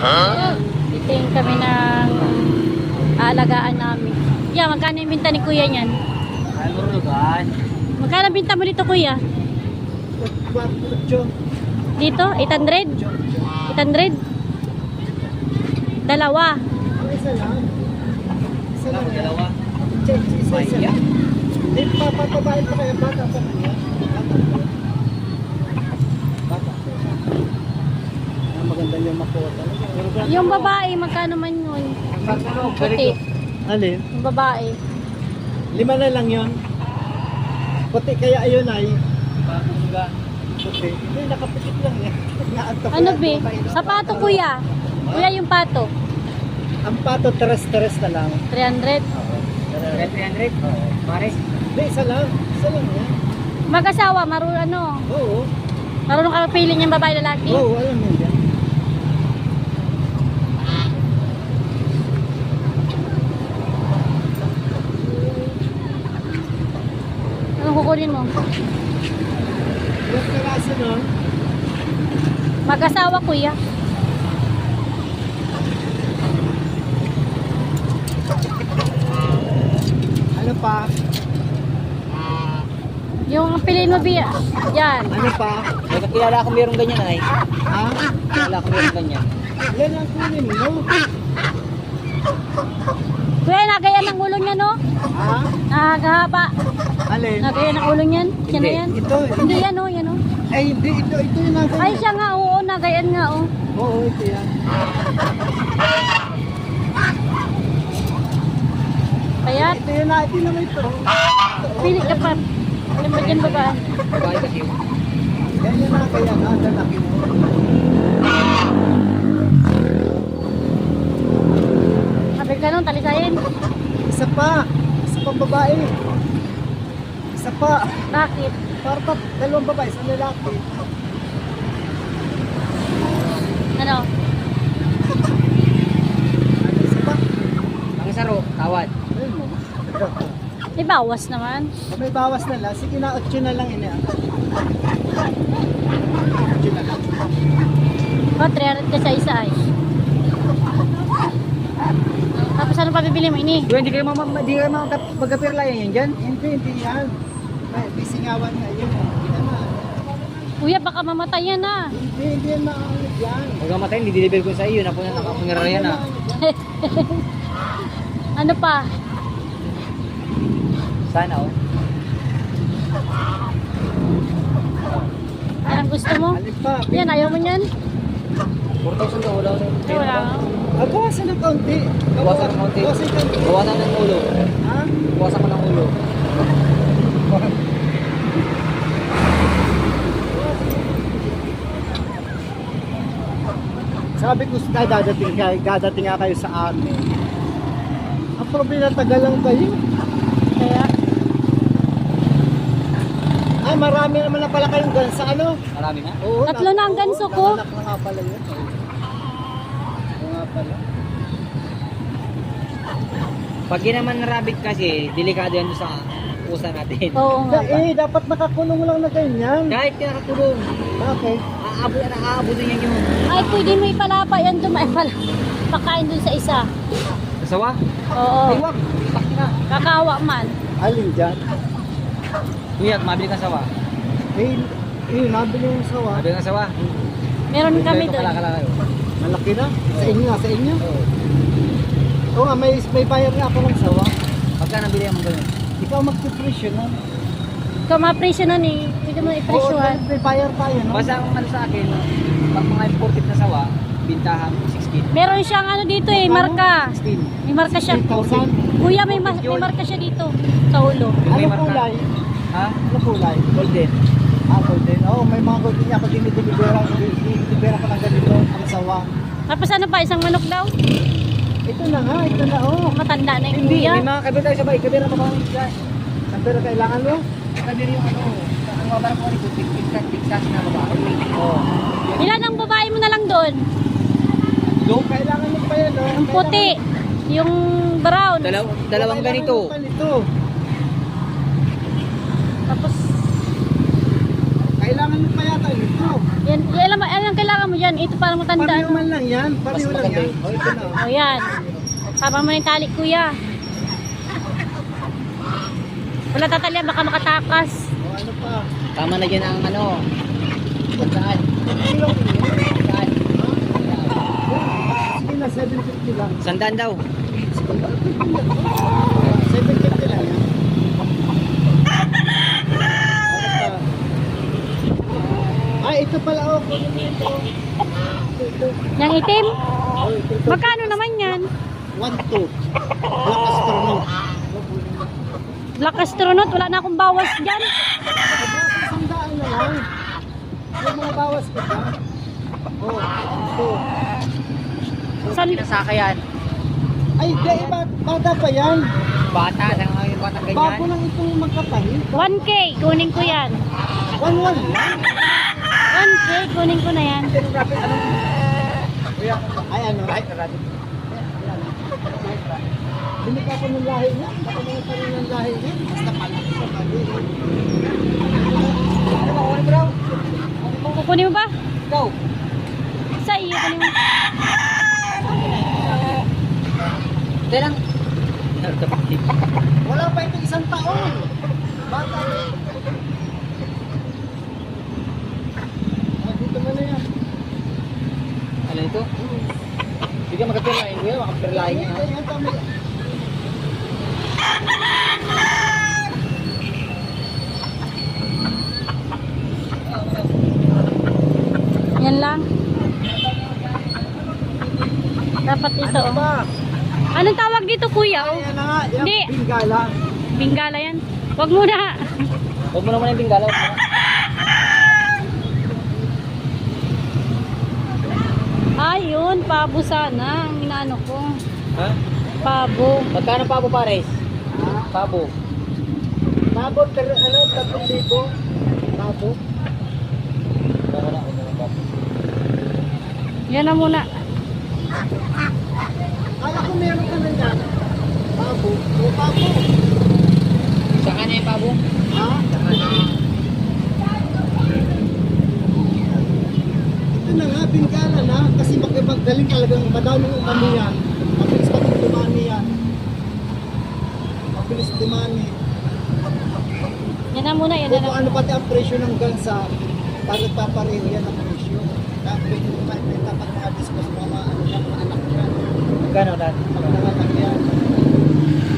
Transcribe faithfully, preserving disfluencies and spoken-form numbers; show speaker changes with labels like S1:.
S1: Titingin kami ng aalagaan namin. Yeah, magkano yung binta ni kuya niyan? Magkano binta mo dito kuya? Dito? eight hundred? eight hundred? Dalawa.
S2: Isa lang. Isa lang.
S3: Dalawa.
S2: Isa, isa lang. Hindi, papababain pa kaya bata pa kanya. Bata pa. Ah, maganda yung makuha talaga.
S1: Yung babae, magkano man yun? Puti.
S2: Alin?
S1: Yung babae.
S2: Lima na lang yun. Puti kaya ayun ay. Puti. Hindi, nakaputik lang yan. Naantok
S1: Ano
S2: yan.
S1: be? Sa pato kuya. Kuya yung pato.
S2: Ang pato, teres-teres na lang.
S1: three hundred.
S3: three hundred? Pares?
S2: Hindi, isa lang. Isa lang yan.
S1: Mag-asawa, marunong ano?
S2: Oo.
S1: Marunong ka pili niyang babae lalaki?
S2: Oo, alam mo yan.
S1: Anong kukunin mo?
S2: Yung piraso nun,
S1: Mag-asawa kuya.
S2: ano pa?
S1: Yung piliin mo biya. Yan.
S2: Ano pa?
S3: May kakilala ako mayroong ganyan ay.
S2: Ha?
S3: Kakilala ako mayroong ganyan.
S2: Yan ang kunin mo.
S1: Kuya, nagayan ang ulo niya no?
S2: Ha?
S1: Nakakahaba.
S2: Alin?
S1: Nagayan ang ulo niyan. Siya na
S3: Hindi.
S1: yan.
S2: Ito,
S1: Hindi yan oh, yan oh.
S2: ay hindi, ito, ito yung nasa.
S1: Ay siya nga, oo, nagayan nga oh.
S2: Oo, ito yan.
S1: Payat.
S2: Ito yung na, ito naman ito.
S1: Pili ka pa. Alam mo dyan babae.
S3: Babae kasi yun.
S2: Yan yung na kaya na, lalaki mo.
S1: Sabi ka nung, talisayin.
S2: Isa pa. Isa pang babae. Isa pa.
S1: Bakit?
S2: Para pa, dalawang babae, isang lalaki.
S1: Ano?
S2: Ano, isa pa.
S3: Ang saro, tawad.
S2: Ayun mo.
S1: May bawas naman.
S2: May bawas na lang. Sige na, otso na lang ini. Otso na lang.
S1: Oh, three hundred ka sa isa ay. Tapos ano pa bibili mo ini?
S3: Kuya, hindi kayo mama, hindi kayo mama magkapirla yan dyan?
S2: Hindi, hindi yan. May, may singawan nga yun. Hindi naman.
S1: Kuya, baka mamatay yan ah.
S2: Hindi, hindi yan maangat yan.
S3: Huwag kang matayin, hindi deliver ko sa iyo. Napo na nakapunira yan ah.
S1: Ano pa?
S3: Sana oh.
S1: Yan ang gusto mo?
S2: Alin pa?
S1: Yan, ayaw mo yan?
S3: four thousand daw, wala ko.
S1: Ay, wala nga.
S2: Ah, bawasan ng kaunti.
S3: Bawasan ng kaunti.
S2: Bawasan ng kaunti.
S3: Bawasan ng ulo.
S2: Ha?
S3: Bawasan ko ng ulo.
S2: Sabi ko sa dadating kayo, dadating nga kayo sa amin. Ang problema, tagal lang kayo.
S1: Kaya,
S2: Ah, marami naman na pala kayong gansa, ano?
S3: Marami na.
S2: Oo,
S1: Tatlo na ang ganso ko.
S2: Nanganak na nga pala yun. Oo nga pala.
S3: Pag ginaman na rabbit kasi, delikado yan doon sa pusa natin.
S1: oo nga ba?
S2: Eh, dapat nakakulong lang na ganyan.
S3: Kahit ka nakatulong,
S2: Okay.
S3: aabot na aabot yan yun.
S1: Ay, pwede mo ipalapa yan doon. Ay, pala. Pakain doon sa isa.
S3: Kasawa?
S1: Oo.
S3: Ay, wag. Ipak na.
S1: Kakawa man.
S2: Alin dyan?
S3: Kuya, mabili kang sawa.
S2: Eh, eh, nabili yung sawa.
S3: Mabili kang sawa.
S1: Meron kami doon.
S3: Kalakala kayo.
S2: Malaki na. Sa inyo nga, sa inyo.
S3: Oo.
S2: Oo nga, may, may bayar nga ako ng sawa.
S3: Pagka nabili mo ganun.
S2: Ikaw magpipresyo na.
S1: Ikaw mapresyo nun eh. Pwede mo
S2: Oo,
S1: ipresyohan.
S2: may, may bayar tayo, no?
S3: Basta ang ano sa akin, pag mga imported na sawa, bintahan sixteen.
S1: Meron siyang ano dito eh, marka.
S3: sixteen.
S1: May marka siya.
S2: eight thousand.
S1: Kuya, may, mas, may marka siya dito. Sa ulo.
S3: May
S2: Ano
S3: marka.
S2: kulay?
S3: Ha?
S2: Ano kulay?
S3: Golden.
S2: Ah, golden. Oo, may mga golden niya ako dinidibera. Dinidibera ko ng ganito, ang sawa.
S1: Tapos ano pa, isang manok daw?
S2: Ito na nga, ito na, oh.
S1: Matanda na yung
S3: Hindi,
S1: kuya.
S3: may mga kabir tayo sabay. Kabir na pa kami dyan.
S2: Ang pero kailangan mo?
S3: Kabir yung ano, ang mga barang ko rin, pigkas, pigkas na babae.
S2: Oo.
S1: Ilan ang babae mo na lang doon?
S2: Go, kailangan mo pa yan, oh.
S1: Yung puti. Yung brown.
S3: Dalaw, dalawang ganito.
S2: Ganito.
S1: Tapos,
S2: Kailangan mo pa yata ito.
S1: Yan, yan, alam, alam ang kailangan mo yan. Ito para matandaan
S2: Pareho
S1: mo.
S2: man lang yan. Pareho
S3: Mas
S2: lang
S3: maganda
S2: yan.
S3: yun.
S2: O, ito na.
S1: O yan. Sama mo na yung tali, kuya. Wala tatalya, baka makatakas.
S2: O, ano pa?
S3: Tama na dyan ang ano. Saan?
S2: Ilong.
S3: Saan?
S2: Sige na, seven fifty lang.
S3: Sandaan daw.
S2: seven fifty lang yan. Ano pa? Ay, ito pala oh. Kunin mo ito. Ito, ito.
S1: Yang itim?
S2: Oh, ito, ito.
S1: Magkano naman yan?
S2: One, two. Black astronaut.
S1: Black astronaut, wala na akong bawas dyan.
S2: Isang daan na lang. Yung mga bawas ko ba? Oh, ito.
S1: San,
S3: Pinasaka yan.
S2: Ay, di, iba, bata pa yan.
S3: Bata, saan yung bata ganyan?
S2: Bago lang itong magkatahi.
S1: one K, kunin ko yan.
S2: One, one lang.
S1: one K, kunin ko na yan.
S2: Ay, ano? Right, right. Bili ka po ng lahi niya. Baka mga pa rin ng lahi niya. Basta palaki sa tabi. Ano, okay bro?
S1: Kukunin mo ba?
S2: Ikaw.
S1: Sa iyo, kunin mo.
S3: Ito lang.
S2: Wala pa ito isang taon. Bata. Ah, dito mo na yan.
S3: Ano ito? Hindi ka magkapirlahin ko yan. Makapirlahin
S2: Ay,
S3: yan.
S2: ay, ay, tama.
S1: Yan lang. Dapat ito.
S2: Ano ba?
S1: Anong tawag dito, kuya? Oh?
S2: Ayan na nga. Yan,
S1: Hindi.
S2: Bingala.
S1: Bingala yan. Wag mo na.
S3: Huwag mo naman yung binggala.
S1: Ayun, pabo sana. Ang inaano ko.
S3: Ha?
S1: Pabo.
S3: Magkano pabo pares? Pabo.
S2: Tabo, ter, ano, tatlong libo. Tabo.
S3: Wala, wala, wala.
S1: Yan na muna.
S2: Kala ko meron ka na yan. Tabo. O, tabo.
S3: Saan na yung pabo?
S2: Ha? Ito na nga, Bingala na. Kasi makipagdaling talagang madaming umami yan. Mabilis pa rin dumami yan. Mabilis dumami.
S1: Yan na muna, yan na
S2: Kung
S1: lang.
S2: ano pati ang presyo ng gansa, pag nagpapareho yan ang presyo. Tapos yung may tapat mga discos, mga ano yan, mga anak yan.
S3: Magkano dati?
S2: Pag nanganak yan.